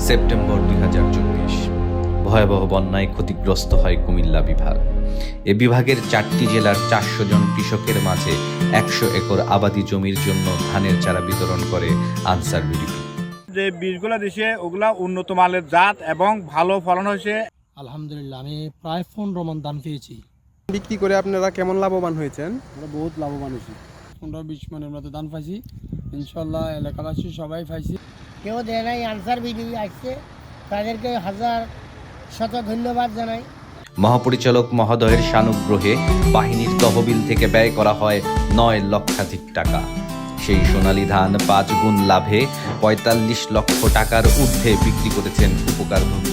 September 2024। ভয়াবহ বন্যায় ক্ষতিগ্রস্ত হয় কুমিল্লা বিভাগ। এ বিভাগের 4টি জেলার 400 জন কৃষকের মাঝে 100 একর আবাদি জমির জন্য ধানের চারা বিতরণ করে আনসার বিডিপি। যে বীজগুলো দিছে ওগুলা উন্নত মানের জাত এবং ভালো ফলন হয়েছে। আলহামদুলিল্লাহ আমি প্রায় 15 মণ ধান পেয়েছি। বিক্রি করে আপনারা কেমন লাভবান হয়েছেন? আমরা বহুত লাভবান হয়েছি। 15-20 মণের মতো ধান পাইছি, ইনশাল্লাহ এলাকাবাসী সবাই পাইছি। কেউ দেয় নাই, আনসার বিডিপি আসছে, তাদেরকে হাজার শত ধন্যবাদ জানাই। মহাপরিচালক মহোদয়ের সানুগ্রহে বাহিনীর তহবিল থেকে ব্যয় করা হয় 9 লক্ষাধিক টাকা। সেই সোনালী ধান 5 গুণ লাভে 45 লক্ষ টাকার ঊর্ধ্বে বিক্রি করেছেন উপকারভোগী